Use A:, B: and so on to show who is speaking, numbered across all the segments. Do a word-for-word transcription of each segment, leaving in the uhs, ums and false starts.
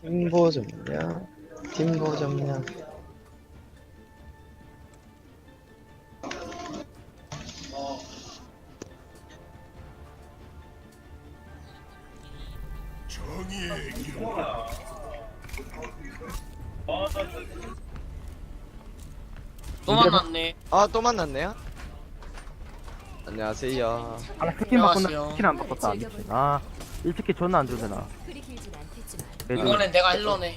A: 팀보 점령, 팀보 점령.
B: 또 만났네.
A: 아, 또 만났네요? 안녕하세요.
C: 아 스킨 바꾼다.
B: 안녕하세요.
C: 스킨 안 바꿨다. 미친. 아 일스킨 존나 안 주잖아.
B: 이번엔 내가 힐러네.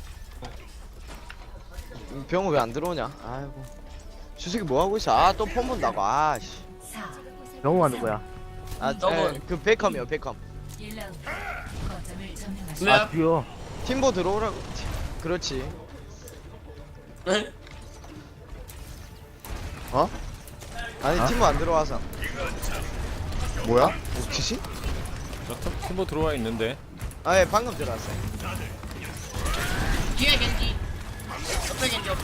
A: 병우 왜 안 들어오냐? 아이고. 주석이 뭐 하고 있어? 아, 또 폰 본다고. 아, 씨.
C: 영웅아 누구야?
A: 아,
B: 저분.
A: 에, 그 베컴이요, 베컴.
B: 왜?
C: 아 듀오.
A: 팀보 들어오라고. 그렇지.
B: 네?
A: 어? 아니,
C: 어?
A: 팀보 안 들어와서.
D: 뭐야?
A: 옥치시?
D: 저 팀- 팀보 들어와 있는데.
A: 아, 예, 방금 들어왔어요.
B: 뒤에 겐지. 옆에 겐지 옆에.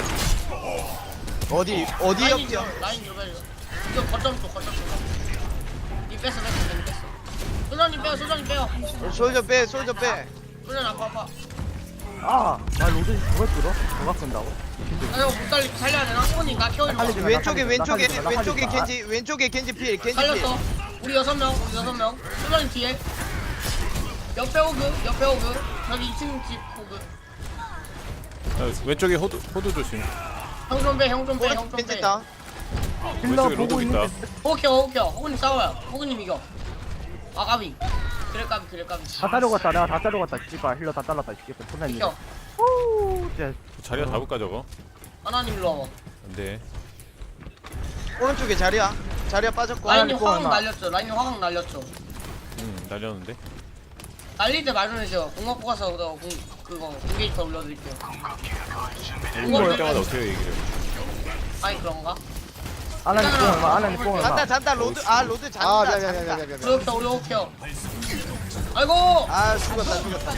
A: 어디, 어디
B: 라인
A: 옆이요?
B: 좀, 라인 좀 해줘. 이거 거점 쪽 거점 쪽. 이 뺐어 뺐어 뺐어 뺐어. 소장님 빼요 소장님 빼요.
A: 솔저 빼, 솔저 빼.
B: 소장 아파 아파.
C: 아, 나 로드 그걸 끌어? 누가 끈다고?
B: 나 이거 못 살리 살려야 되나? 손이 나 키워주는 거.
C: 살리지 마.
A: 왼쪽에, 왼쪽에,
C: 살리지 마,
A: 왼쪽에
C: 살리지 마.
A: 겐지, 왼쪽에 겐지 필, 겐지 필.
B: 살렸어. 우리 여섯 명 우리 여섯 명. 소장님 뒤에. 옆에 오그 옆에 오그. 저기 이 층 집 오그.
D: 어, 왼쪽에 호두 호두 조심.
B: 형 좀 빼, 형 좀 빼, 형 좀
A: 겐지
B: 빼.
A: 있다.
C: 힐러
D: 왼쪽에
C: 보고
D: 로드 있다.
C: 있는데
B: 호흡 켜, 호흡 켜. 호구님 싸워요. 호구님 이겨. 아, 까비. 그래, 까비, 그래, 까비.
C: 다 따려갔다. 내가 다 따려갔다. 씨발 힐러 다 잘랐다. 씨발 존나 있네.
B: 켜.
C: 오, 진짜.
D: 자리야 잡을까 저거?
B: 하나님 일로 와봐.
D: 안돼.
A: 오른쪽에 자리야. 자리야 빠졌고.
B: 라인이
C: 이거
B: 화강
C: 얼마?
B: 날렸죠. 라인이 화강 날렸죠.
D: 응 날렸는데.
B: 날릴 때 말씀해주세요. 공업 뽑아서 그거 공, 그거 공게이터 올려드릴게요.
D: 이거 할 때마다 어떻게 얘기를? 해?
B: 아니 그런가?
C: 아나니 뽕 얼마? 아나니 뽕 얼마?
A: 잔다, 잔다, 로드. 아, 로드
D: 아,
A: 잔다,
D: 미안, 미안,
A: 잔다.
D: 미안, 미안, 미안.
B: 우리 호흡 켜, 우리 호흡 켜. 아이고!
A: 아, 죽었다, 죽었다.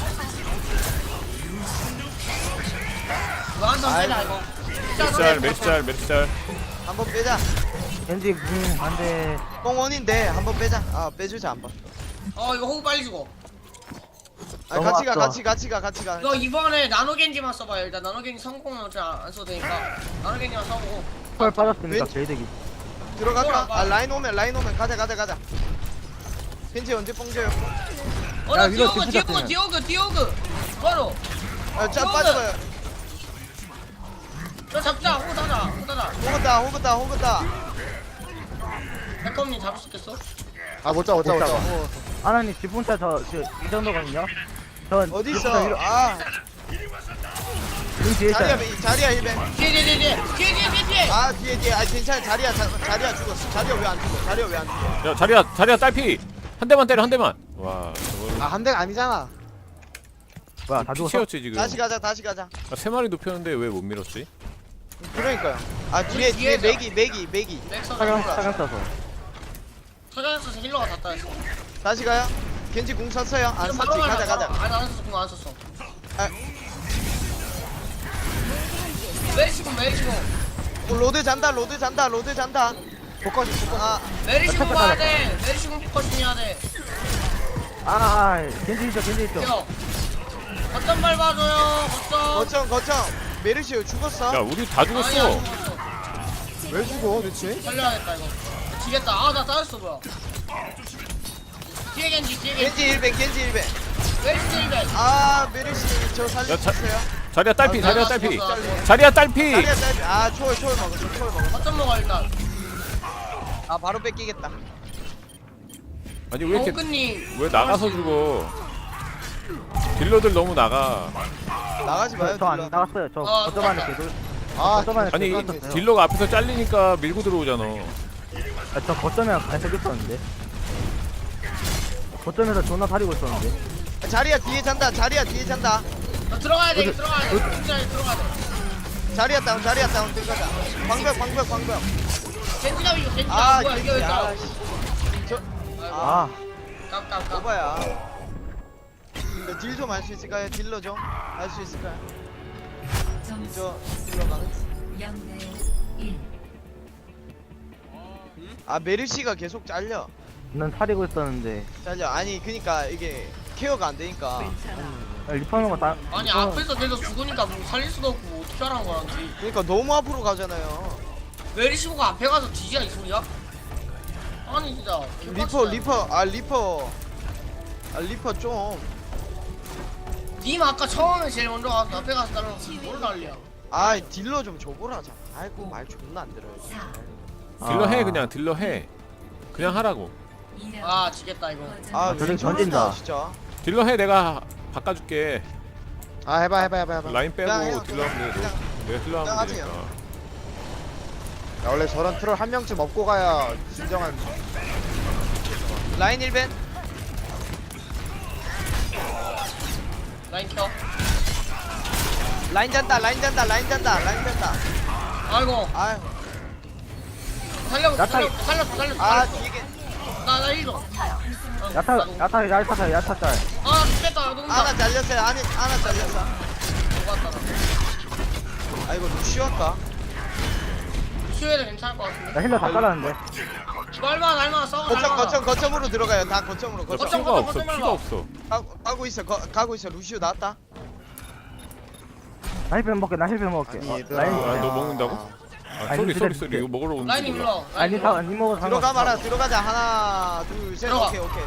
B: 이거 한번 빼자 이거.
D: 멜짤 멜짤 멜짤.
A: 한번 빼자.
C: 겐지 궁 안돼.
A: 꽁원인데 한번 빼자. 아, 빼주자 한번.
B: 어 이거 호흡 빨리 주고.
A: 아, 같이 가,
C: 넘어왔어.
A: 같이, 같이 가, 같이 가.
B: 이거 이번에 나노겐지만 써봐요. 일단 나노겐지 성공은 어차피 안 써도 되니까 나노겐지만 써보고.
C: 펄 빠졌으니까
A: 왼-
C: 개이득이.
A: 들어갈까? 아, 라인 오면, 라인 오면 가자, 가자, 가자. 겐지 언제 뽕줘요?
B: 어나
C: 야, 이거
B: 디오그
C: 디프자
B: 디오그
C: 뜨면.
B: 디오그 디오그 바로.
A: 아, 짜
B: 이거는-
A: 빠져봐요.
B: 저 잡자 호구 따자 호구 따자.
A: 호그다, 호그다, 호그다.
B: 백컴님 잡을 수 있겠어?
D: 아 못자 못자
C: 못 잡아. 아나니 집 혼자 저이 정도거든요. 전
A: 어디
C: 집
A: 있어?
C: 혼자 이러-
A: 아,
C: 등 뒤에
A: 자리야,
C: 있어요.
A: 자리야 힐벤.
B: 뒤에 뒤에 뒤에 뒤에 뒤에 뒤에 뒤에.
A: 아, 뒤에, 뒤에. 아, 괜찮아. 자리야, 자, 자리야 죽었어. 자리야 왜 안 죽어? 자리야 왜 안 죽어?
D: 야 자리야 자리야 딸피. 한 대만 때려 한 대만. 와 저거.
A: 한 대가 아니잖아.
C: 뭐야 다 죽었어?
D: 피치였지 지금.
A: 다시 가자, 다시 가자.
D: 아, 세 마리 눕혔는데 왜 못 밀었지?
A: 그러니까요. 아, 뒤에, 뒤에
B: 뒤에서.
A: 맥이, 맥이, 맥이.
B: 맥서
C: 사강
B: 잡으라.
C: 사강 써서.
B: 서장에서 힐러가 다 따였어.
A: 다시 가요. 겐지 궁 쐈어요. 안
B: 지금
A: 쐈지.
B: 바로
A: 가자,
B: 가자,
A: 가자.
B: 바로. 아니 안 썼어 공안 썼어.
A: 아.
B: 메리시공 메리시공
A: 어, 로드 잔다, 로드 잔다, 로드 잔다. 포커스, 포커스. 아,
B: 메리시공
C: 아,
B: 봐야
C: 쳤다,
B: 돼. 메리시공 포커싱 해야 돼.
C: 아, 아, 겐지 있죠, 겐지 있죠.
B: 형 거점 밟아줘요. 거점.
A: 거청, 거청. 메르시오 죽었어.
D: 야 우리 다
B: 아니, 안
D: 죽었어.
B: 죽었어.
A: 왜 죽어, 대체?
B: 살려야겠다 이거. 지겠다. 아 나 따였어 뭐야. 뒤에 겐지 뒤에 겐지.
A: 겐지 일벤, 겐지 일벤.
B: 메리시 일벤.
A: 아, 메르시 저 살릴
D: 야,
A: 수
D: 자-
A: 있어요?
D: 자리야 딸피
B: 아,
D: 자리야
B: 나
D: 딸피.
B: 죽었어, 나 죽었어.
D: 자리야 딸피.
A: 자리야, 자리야. 아, 초월, 초월 먹었어, 초월 먹었어.
B: 거점 먹어 일단.
A: 아, 바로 뺏기겠다.
D: 아니 왜 이렇게
B: 호그님.
D: 왜 나가서 죽어? 딜러들 너무 나가.
A: 나가지 마요,
C: 저 안
A: 딜러.
C: 나갔어요. 저
B: 어,
C: 거점 안에
B: 똑같다.
C: 개돌.
A: 아,
C: 거점 안에
D: 아니
C: 개돌 있었어요.
D: 딜러가 앞에서 잘리니까 밀고 들어오잖아.
C: 아, 저 거점에 갈색 있었는데. 거점에서 존나 사리고 있었는데.
A: 자리야 뒤에 잔다, 자리야 뒤에 잔다.
B: 너 들어가야 돼. 들어가야 돼. 진짜 들어가야 돼.
A: 자리야 다운, 자리야 다운 들어가자. 광벽, 광벽, 광벽.
B: 겐지가 이거 겐지가
A: 아,
B: 뭐야 이게 왜
A: 야,
B: 따라?
A: 씨. 저,
C: 아,
B: 깜깜깜.
A: 오바야. 딜 좀 할 수 있을까요? 딜러 좀 할 수 있을까요? 저 딜러가. 아, 메르시가 계속 잘려.
C: 난 사리고 있었는데.
A: 잘려. 아니, 그니까 이게 케어가 안 되니까.
C: 야, 리퍼는 거 다.
B: 아니
C: 리퍼는-
B: 앞에서 계속 죽으니까 뭐 살릴 수도 없고 어떻게 하라는 거란지.
A: 그러니까 너무 앞으로 가잖아요.
B: 메리시고가 앞에 가서 뒤지야 이 소리야? 아니 진짜
A: 리퍼 리퍼 아 리퍼 아 리퍼 좀.
B: 님 아까 처음에 제일 먼저 가서 앞에 가서 따라서 뭘 난리야.
A: 아 딜러 좀 줘보라자. 아이고 말 존나 안 들어요.
D: 딜러
C: 아.
D: 해 그냥 딜러 해. 그냥 하라고.
B: 아 지겠다 이거.
A: 아
C: 저런
A: 왜 저런다
C: 던진다.
A: 진짜.
D: 딜러 해 내가 바꿔줄게.
E: 아 해봐 해봐 해봐 해봐.
D: 라인 빼고
A: 그냥 해요,
D: 딜러 하면 돼.
A: 그냥.
D: 너- 내가 딜러
A: 그냥
D: 하면
A: 하세요.
D: 되니까.
E: 야, 원래 저런 트롤 한 명쯤 업고 가야 진정한.
A: 라인 일 벤.
B: 라인 켜.
A: 라인 잔다 라인 잔다 라인 잔다 라인 잔다.
B: 아이고
A: 아유
B: 살려
C: 야타-
B: 살려 살려 살려.
A: 아
B: 살려.
A: 뒤에
B: 나나 일 좀.
C: 야타 야타 야타 야타 짤.
B: 아 죽겠다 녹는다.
A: 하나 잘렸어요. 아니 하나 잘렸어.
B: 녹았다.
A: 아 이거 루시오 할까?
B: 슈에도 괜찮을 것 같은데.
C: 나 힐러 다 깔았는데.
B: 얼마 얼마 싸워.
A: 거점 거점 거점으로 들어가요. 다 거점으로
D: 너
A: 거점.
B: 거점,
D: 피가
B: 거점,
D: 없어
B: 거점
D: 피가
B: 말고.
D: 없어.
A: 가고, 가고 있어 거, 가고 있어. 루시오 나왔다.
C: 나 힐벤 먹게 나 힐벤 먹게.
E: 아니,
C: 어,
E: 얘들아.
C: 라인.
D: 아, 너 먹는다고? 아
C: 아니,
D: 쏘리
C: 근데
D: 쏘리 쏘리
C: 근데-
D: 이거 먹으러 오는
B: 라인이
D: 줄
B: 불러.
D: 몰라.
C: 아니 다 니 먹어
A: 들어가 봐라. 들어가자. 하나 둘 셋.
B: 들어가.
A: 오케이 오케이.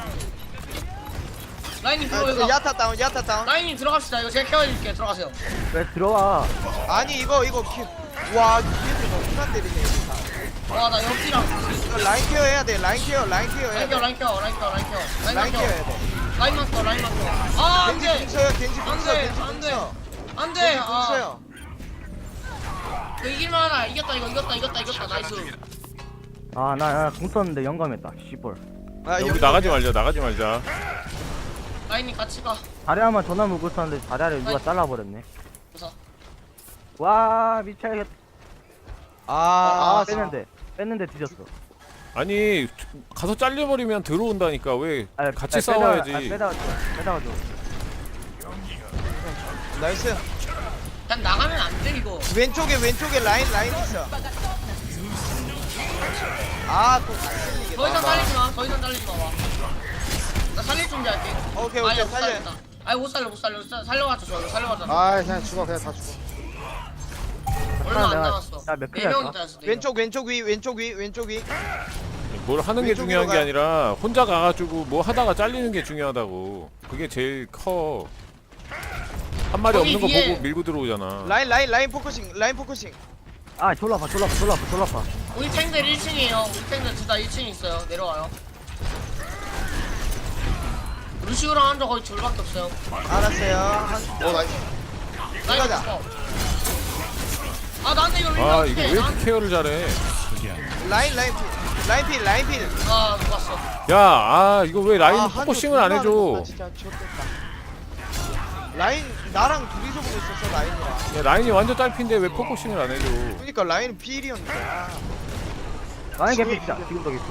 B: 라인이
A: 아,
B: 들어
A: 그
B: 이거.
A: 야타 다운 야타 다운.
B: 라인이 들어갑시다. 이거 제가 케어해줄게. 들어가세요.
C: 왜 들어와?
A: 아니 이거 이거 키. 와 뒤에서 너무 안 때리네. 이거 다.
B: 와 나 옆이랑
A: 이거 라인 케어 해야 돼. 라인 케어 라인 케어 해야
B: 라인
A: 돼.
B: 켜 라인 켜 라인 켜 라인 켜
A: 라인
B: 라인
A: 케어
B: 켜
A: 해야 돼.
B: 라인만 켜 라인만 켜아
A: 겐지
B: 안돼
A: 궁서요. 겐지 궁서.
B: 안돼
A: 겐지
B: 안돼
A: 궁서.
B: 안돼
A: 겐지
B: 아
A: 궁서요.
B: 이거 이길만하다 이겼다 이거 이겼다 이겼다 이겼다 나이스
C: 아나나공 썼는데 영감했다. 씨볼.
A: 아,
D: 야, 우리
A: 여기
D: 나가지
A: 여기야.
D: 말자 나가지 말자.
B: 라인이 같이 가
C: 다리아만 전화 물고 있었는데 다리아를 누가
B: 아이.
C: 잘라버렸네.
B: 그래서
C: 와 미쳐야겠다.
A: 아,
C: 아 뺐는데 뺐는데 뒤졌어.
D: 아니 가서 잘려버리면 들어온다니까 왜
C: 아,
D: 같이
C: 아,
D: 싸워야지.
C: 빼다가, 아, 빼다가 빼다가 줘.
A: 나이스.
B: 그냥 나가면 안 돼 이거
A: 왼쪽에 왼쪽에 라인 라인 있어. 아또
B: 더 이상 살리지 마더 이상 살리지 마봐 나 살릴 준비할게
A: 오케이 오케이
B: 아니야 못
A: 살려.
B: 살린다 아니 못 살려 못 살려 살- 살려가지고 줘 이거 살려가지고
E: 아 그냥 죽어 그냥 다 죽어.
B: 얼마 안
C: 내가-
B: 남았어
C: 나몇
B: 네
C: 킬이야,
B: 명이
C: 저?
B: 따였어 네 명.
A: 왼쪽 왼쪽 위 왼쪽 위 왼쪽 위.
D: 뭘 하는 게
A: 왼쪽으로
D: 중요한 게
A: 가요.
D: 아니라 혼자 가가지고 뭐 하다가 잘리는 게 중요하다고. 그게 제일 커. 한 마리
B: 거기
D: 없는 거
B: 뒤에-
D: 보고 밀고 들어오잖아.
A: 라인 라인 라인 포커싱 라인 포커싱.
C: 아 졸라파 졸라파 졸라파 졸라파.
B: 우리 탱들 일 층이에요 우리 탱들 둘 다 일 층에 있어요 내려와요 루시우랑 한조 거의 둘밖에 없어요
A: 알았어요. 한,
E: 어 나이스.
B: 라인
A: 들어가자.
B: 없어 아 나한테 이거
D: 아
B: 밀면
D: 이거
B: 어떡해
D: 왜 이렇게 케어를 잘해?
A: 라인 라인 필 라인 필 라인 필.
B: 아 녹았어
D: 야, 아 이거 왜 라인
A: 아, 한조
D: 포커싱을 안
A: 존나
D: 해줘?
A: 하는구나, 진짜 좋겠다. 라인 나랑 둘이서 보고 있었어 라인이랑.
D: 야, 라인이 완전 딸핀데 왜 포커싱을 안 해줘?
A: 그러니까 라인 필이었는데. 아.
C: 라인 개피 진짜 지금도 개피.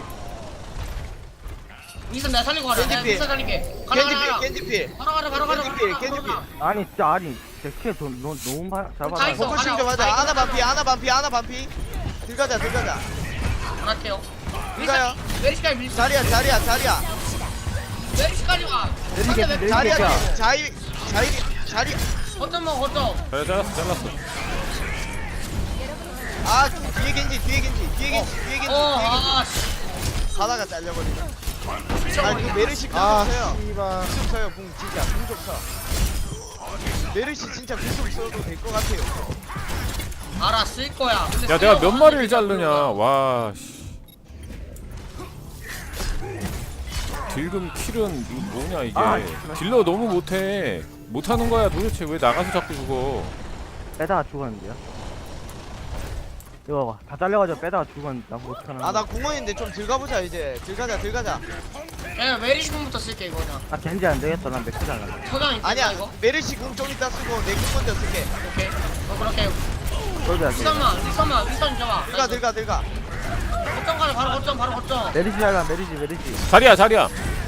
B: 위선 내가 살리고 가라 내가
A: 겐지
B: 위선 살릴게 가라
A: 겐지
B: 가라
A: 필
B: 가라
A: 겐지 필.
B: 바로 가라 바로 가라
A: 겐지 필 겐지 필.
C: 아니 진짜 아니 제키에 너무 너무 바- 잘
B: 다
C: 받아.
B: 있어.
A: 포커싱 좀 하자. 하나 반피 하나 반피 하나 반피. 들어가자 들어가자.
B: 안 할게요
A: 들어가요.
B: 메리시까지 밀
A: 자리야 자리야 자리야.
B: 메리시까지 와
C: 내리
B: 근데
C: 개피
B: 왜
C: 내리
A: 자리야
C: 개피야.
A: 자리 자리 자리.
B: 거점 먹어 거점
D: 잘 잘랐어 잘랐어.
A: 아 뒤에 겐지 뒤에 겐지 뒤에 겐지 뒤에 겐지 뒤에 겐지.
B: 어아 씨
A: 가다가 잘려버리네. 아
B: 미쳐버리네
A: 그 메르시
E: 아
A: 궁좀 써요.
E: 씨발.
A: 궁좀 써요 궁 진짜 궁좀 써. 메르시 진짜 궁좀 써도 될 것 같아요.
B: 알아 쓸 거야 근데
D: 야 내가 몇
B: 쓰려고
D: 마리를
B: 하는데
D: 자르냐?
B: 모르겠어.
D: 와. 씨. 딜금 킬은 이거 뭐냐 이게?
C: 아,
D: 딜러 너무 못해. 못하는 거야 도대체 왜 나가서 자꾸 죽어?
C: 빼다가 죽었는데요. 이거 봐봐 다 잘려가지고 빼다가 죽었는데 나 못하나.
A: 아 나 궁원인데 좀 들어가보자 이제. 들어가자 들어가자.
B: 야 메리시군부터 쓸게 이거 그냥
C: 나 겐지 안 되겠다. 난 맥주 잘라.
B: 소장 있다
A: 아니야
B: 이거
A: 메르시 궁 좀 이따 쓰고 내 궁 먼저 쓸게.
B: 오케이 어 그렇게
C: 솔드야.
B: 위선만 위선만 위선 잡아
A: 들어가 들어가 들어가.
B: 거점 가자 바로 거점 바로 거점
C: 메리지 잘라 메리지 메리지.
D: 자리야 자리야.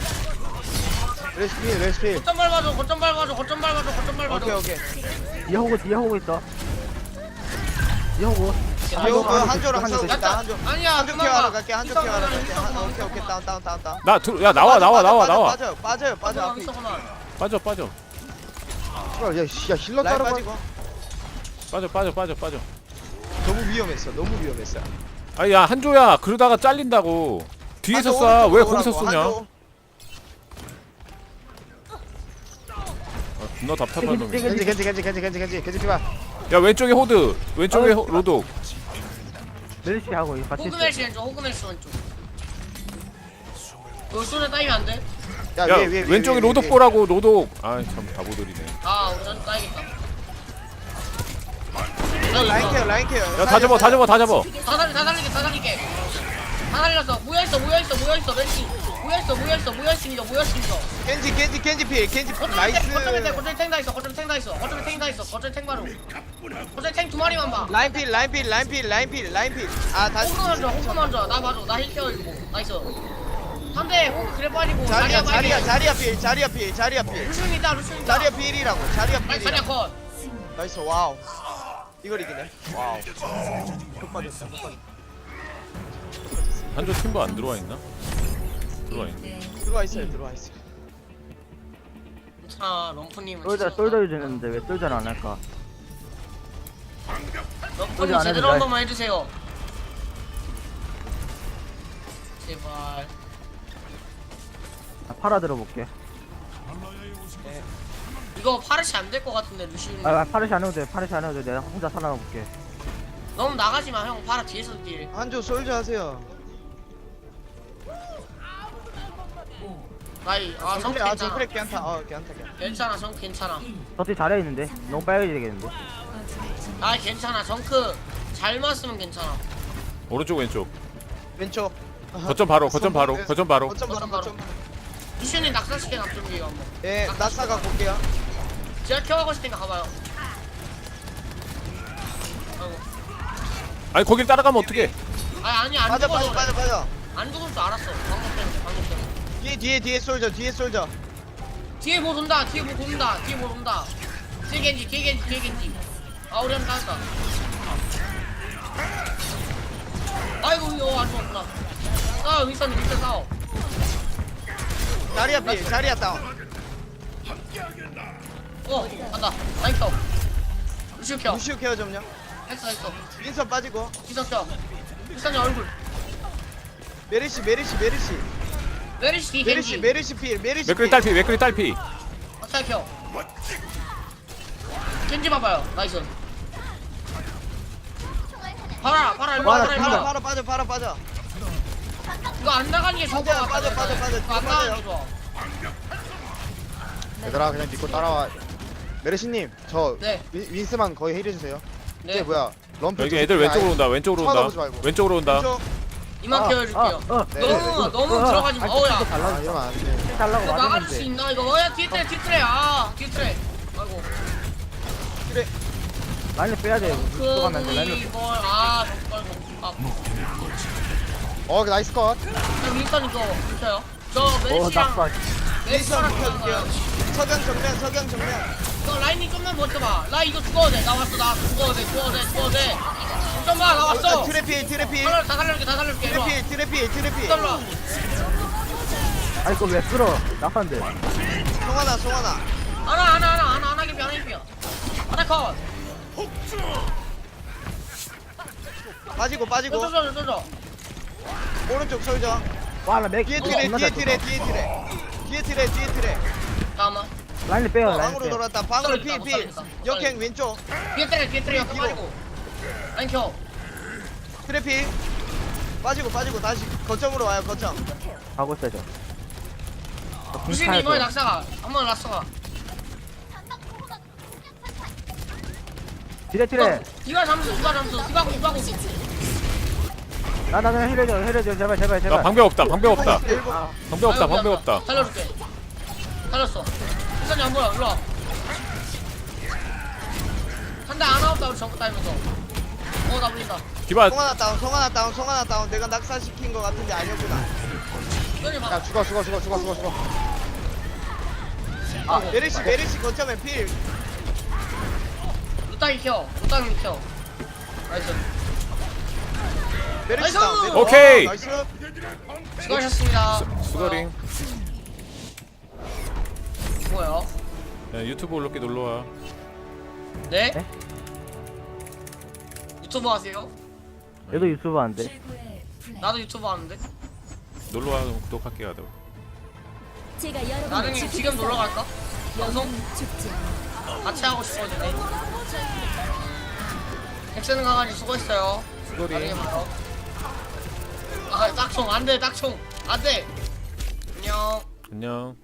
E: 레시피 레시피.
B: 거점 밟아줘 거점 밟아줘 거점 밟아줘 거점 밟아줘
A: 오케이 오케이.
C: 뒤에 호구 뒤에 호구 있어. 뒤에 호구.
B: 갈게.
A: 요 그
C: 한조,
A: 한조랑
C: 한조
A: 싸우고 있다. 한조.
B: 아니야
A: 한조
B: 그만
A: 케어하러
B: 가.
A: 갈게. 한조
B: 있어,
A: 케어하러
B: 그만,
A: 갈게.
B: 있어,
A: 한-
B: 그만,
A: 오케이 오케이 다운 다운 다운 다운.
D: 나 들어 야 나와 나와 나와 나와
A: 빠져 빠져 빠져
B: 있어,
A: 앞에.
B: 있어, 그만.
D: 빠져 빠져
E: 씨발, 야, 씨, 야 힐러
A: 라인
E: 따라가.
A: 빠지고.
D: 빠져 빠져 빠져 빠져
A: 너무 위험했어. 너무 위험했어.
D: 아니 야 한조야 그러다가 잘린다고 뒤에서
A: 한조
D: 쏴 왜
A: 오른쪽으로
D: 거기서
A: 오라고.
D: 쏘냐
A: 한조.
D: 아, 존나 답답한 놈이
E: 겐지 겐지 겐지 겐지 겐지 겐지 겐지 피봐.
D: 야 왼쪽에 호드 왼쪽에
C: 아유,
D: 호- 로독
C: 멜시 하고 이거 같이 있어.
B: 호그멜시 왼쪽 호그멜시 왼쪽. 여기 쏘네 따이면 안 돼?
E: 야,
D: 야
E: 위에, 위에, 위에,
D: 왼쪽에
E: 위에,
D: 로독
E: 위에.
D: 보라고 로독 아이 참 바보들이네
B: 아 우리 전 따야겠다.
A: 어, 라인 케어 라인 케어.
D: 야 다 잡아 다 잡아 다 잡아
B: 다 살리 다 살리게 다 살리게. 다 살렸어. 모여 있어 모여 있어 모여 있어 멜시. 모여 있어 모여 있어 모여 있습니다 모여 있습니다.
A: 겐지 겐지 겐지 필 겐지 필.
B: 거점에
A: 나이스.
B: 탱, 거점에 탱, 거점에 탱 다 있어. 거점에 탱 다 있어. 거점에 탱 다 있어. 거점에 탱 바로. 거점에 탱 두 마리만 봐.
A: 라인 필 라인 필 라인 필 라인 필 라인 필. 아 다시.
B: 호그 먼저, 호그 먼저. 나 봐줘. 나 힐케어 이거. 나이스. 한대 호그 그래 빠지고.
A: 자리야
B: 자리야
A: 자리야
B: 빠지고.
A: 자리야 필 자리야 필 자리야 필.
B: 루시움 있다. 루시움 있다.
A: 자리야 필이라고. 자리야
B: 나이스 자리야
A: 필이라고.
B: 컷.
A: 나이스 와우. 이걸 이기네. 와우. çok 빠졌다. çok 빠졌다.
D: 한조 팀버 안 들어와 있나? 들어와 있네
A: 들어와 있어요. 들어와 있어요.
B: 자 럼프님은
C: 솔저
B: 진짜-
C: 솔저 주는데 왜 솔저를 안 할까?
B: 럼프님
C: 솔저 안
B: 제대로
C: 해도
B: 한
C: 돼.
B: 번만 해주세요. 제발.
C: 나 팔아 들어볼게.
B: 이거 파르시 안 될 것 같은데 루시움.
C: 아 파르시 안 해도 돼. 파르시 안 해도 돼. 내가 혼자 살아볼게.
B: 너무 나가지 마 형. 파라 뒤에서 딜.
A: 한조 솔저 하세요.
B: 나이 아 정
A: 정크레 아
B: 괜찮아.
A: 정크레 괜찮다. 어 괜찮다 괜찮다.
B: 괜찮아 정 괜찮아.
C: 저티 잘해 있는데 너무 빨리 되겠는데.
B: 아 괜찮아 정크 잘 맞으면 괜찮아.
D: 오른쪽 왼쪽
A: 왼쪽.
D: 거점 바로 거점 바로 거점 바로
A: 거점 바로
B: 거점 바로.
A: 거점 바로.
B: 루시움이 낙사시켜 납좀비요 한번.
A: 예 낙사가 볼게요.
B: 제가 켜가고 있으니까 가봐요. 아이고.
D: 아니 거길 따라가면 어떡해
B: 아니 아니 안
A: 빠져
B: 죽어서
A: 빠져
B: 그래.
A: 빠져 빠져.
B: 안 죽을 줄 알았어. 방금 때문에 방금 때문에.
A: 뒤에 뒤에 뒤에 솔저 뒤에 솔저.
B: 뒤에 뭐 돈다 뒤에 뭐 돈다 뒤에 뭐 돈다. 뒤에 겐지 뒤에 겐지 뒤에 겐지. 아 우리 한번 따졌다. 아이고 이거 안 죽었구나. 싸워 윈스턴 윈스턴 싸워.
A: 자리야 필 자리야 다운.
B: 어 간다. 라인 켜. 루시오 켜.
A: 루시오 케어 좀요.
B: 했어 했어.
A: 윈선 빠지고.
B: 윈스턴 켜. 윈스턴이 얼굴.
A: 메르시 메르시 메르시
B: 메리시 뒤에
A: 메르시
B: 겐지.
A: 메르시 필 메르시
D: 맥클리
A: 필.
D: 딸피 맥클리 딸피
B: 어떻게 켜? 겐지 봐봐요. 나이스. 봐라 봐라 일로 와
C: 와,
B: 봐라 일로
A: 바로
B: 와.
A: 바로 빠져 바로 빠져.
B: 이거 안 나가는 게 좋아.
A: 빠져, 빠져, 빠져, 빠져.
B: 이거 안 나가는 게 좋아.
E: 얘들아 그냥 믿고 따라와. 메르시님 저
B: 네.
E: 윈, 윈스만 거의 해주세요.
B: 네.
E: 이게 뭐야? 럼프
D: 여기
E: 쪽
D: 애들
E: 아예-
D: 왼쪽으로 온다 왼쪽으로
E: 쳐다보지
D: 온다
E: 말고.
D: 왼쪽으로 온다
A: 왼쪽.
B: 이만 케어해줄게요.
C: 어,
E: 네.
B: 너무 너무
C: 어,
B: 들어가지 마.
C: 아,
B: 어우야.
C: 또 달라.
E: 아 이러면 안 돼.
C: 달라고
B: 이거 막아줄 수
C: 말했는데.
B: 있나 이거? 어야 뒤에 트레 뒤에 트레 아 뒤에 트레. 아이고.
C: 라인을 빼야 돼. 또 가면 안 돼. 라인을
B: 이걸 아 정말 아.
E: 어 나이스 컷.
B: 저 윈스턴 이거 붙여요. 저
C: 어
B: 메리시랑
C: 낙사.
B: 메리시랑
A: 윈선 켜줄게요. 석양 정면 석양 정면.
B: 너 라인이 좀만 버텨봐. 나 이거 죽어도 돼. 나 왔어. 나 죽어도 돼. 죽어도 돼. 죽어도 돼. 좀 봐. 나 왔어.
A: 트래필 트래필
B: 살려, 다 살려줄게. 다 살려줄게. 이리 와.
A: 트래필 트래필 트래필.
B: 떨라.
C: 아니 그거 왜 끌어? 낙사인데.
A: 송하나 송하나.
B: 하나 하나 하나 하나 하나 개피 하나 개피. 하나 컷.
A: 빠지고 빠지고.
B: 저저 저 저.
A: 오른쪽 솔저.
C: 와나 맥.
A: 뒤에
B: 어,
A: 트레
C: 겁나
A: 뒤에
C: 잘
A: 트레
C: 쳤다.
A: 뒤에 트레. 뒤에 트레 뒤에 트레.
B: 잠깐만.
C: 라인을 빼요. 라인을
A: 방으로
C: 빼.
A: 돌았다. 방으로
B: 못 살리겠다, 못
A: 필필.
B: 살리겠다, 못
A: 역행 왼쪽.
B: 뒤에 트레 뒤에 트레 옆에
A: 뒤로.
B: 빠지고. 라인 켜.
A: 트래필. 빠지고 빠지고 다시 거점으로 와요 거점.
C: 가고 있어야죠.
B: 루시님 이번에 낙사가. 한번 낙사가.
C: 디레 디레.
B: 디가 잠수 디가 잠수 디가 고 디가 고.
C: 나나 그냥 해려줘 해려줘 제발 제발
D: 야
C: 제발.
D: 방벽 없다 방벽 없다
A: 일곱.
C: 아,
D: 방벽 없다 방벽 없다
B: 살려줄게. 살렸어. 일단이 안 보여. 일로 와. 한대 안 나왔다 우리 정크 따면서. 어나 물린다.
D: 디바
A: 송하나 다운 송하나 다운 송하나 다운. 내가 낙사시킨 거 같은데 아니었구나.
B: 이현이 봐.
E: 야 죽어 죽어 죽어 죽어 죽어 죽어.
A: 아 메르시 메르시 거점에 필.
B: 루따기 켜. 루따기 켜. 나이스.
A: 메르시
B: 나이스!
A: 다운. 메르시.
D: 오케이.
A: 와, 나이스.
B: 수고하셨습니다.
D: 수거링.
B: 뭐야?
D: 야, 유튜브 올라게 놀러와.
B: 네?
C: 네?
B: 유튜브 하세요?
C: 얘도 유튜브 안 돼.
B: 나도 유튜브 하는데.
D: 놀러와. 그럼 구독할게 하다가.
F: 제가 여러분을
B: 나중에
F: 지키겠어요.
B: 지금 놀러 갈까? 방송
F: 영웅은 죽지 않아.
B: 같이 하고 싶어지네. 엑스는 강아지 수고했어요. 나중에
D: 수거링.
B: 봐요. 아 딱총 안돼 딱총 안돼. 안녕.
D: 안녕.